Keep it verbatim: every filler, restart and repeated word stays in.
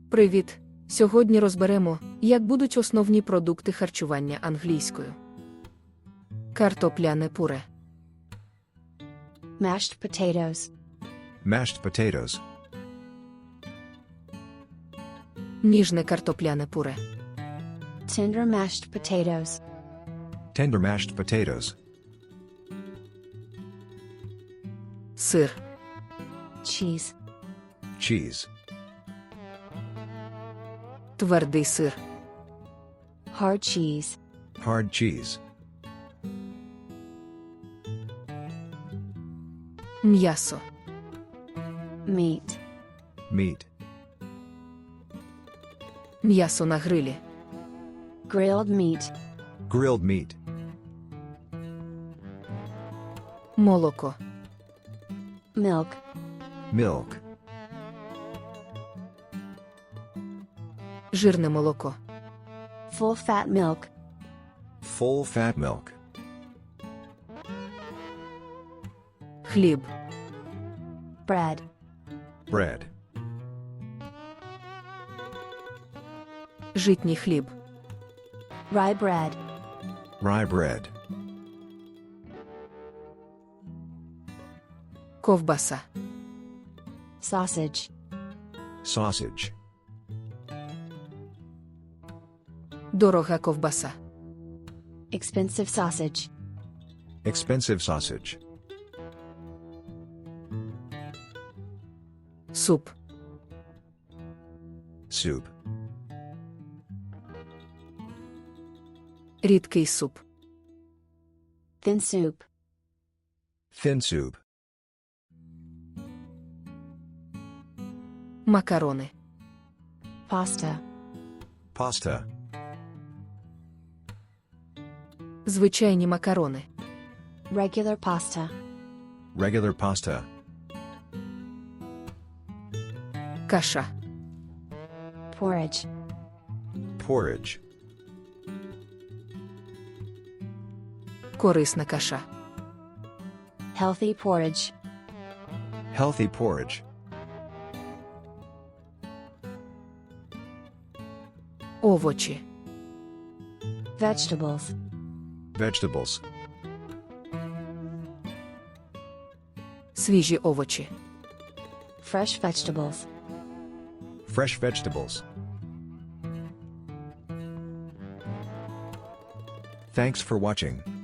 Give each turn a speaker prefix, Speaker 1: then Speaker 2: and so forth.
Speaker 1: Привіт! Сьогодні розберемо, як будуть основні продукти харчування англійською. Картопляне пюре.
Speaker 2: Mashed potatoes.
Speaker 3: Mashed potatoes.
Speaker 1: Ніжне картопляне пюре.
Speaker 2: Tender mashed potatoes.
Speaker 3: Tender mashed potatoes.
Speaker 1: Сир.
Speaker 2: Cheese.
Speaker 3: Cheese.
Speaker 1: Твердий сир.
Speaker 2: Hard cheese.
Speaker 3: Hard cheese.
Speaker 1: М'ясо.
Speaker 2: Meat.
Speaker 3: Meat.
Speaker 1: М'ясо на грилі.
Speaker 2: Grilled meat.
Speaker 3: Grilled meat.
Speaker 1: Молоко.
Speaker 2: Milk.
Speaker 3: Milk.
Speaker 1: Жирне молоко.
Speaker 2: Full fat milk.
Speaker 3: Full fat milk.
Speaker 1: Хліб.
Speaker 2: Bread.
Speaker 3: Bread.
Speaker 1: Житній хліб.
Speaker 2: Rye bread.
Speaker 3: Rye bread.
Speaker 1: Ковбаса.
Speaker 2: Sausage.
Speaker 3: Sausage.
Speaker 1: Дорога ковбаса.
Speaker 2: Expensive sausage.
Speaker 3: Expensive sausage.
Speaker 1: Суп.
Speaker 3: Soup.
Speaker 1: Рідкий суп.
Speaker 2: Thin soup.
Speaker 3: Thin soup.
Speaker 1: Макарони.
Speaker 2: Pasta.
Speaker 3: Pasta.
Speaker 1: Звичайні макарони.
Speaker 2: Regular pasta.
Speaker 3: Regular pasta.
Speaker 1: Каша.
Speaker 2: Porridge.
Speaker 3: Porridge.
Speaker 1: Корисна каша.
Speaker 2: Healthy porridge.
Speaker 3: Healthy porridge.
Speaker 1: Овочі.
Speaker 2: Vegetables.
Speaker 3: Vegetables.
Speaker 1: Свіжі овочі.
Speaker 2: Fresh vegetables.
Speaker 3: Fresh vegetables. Thanks for watching.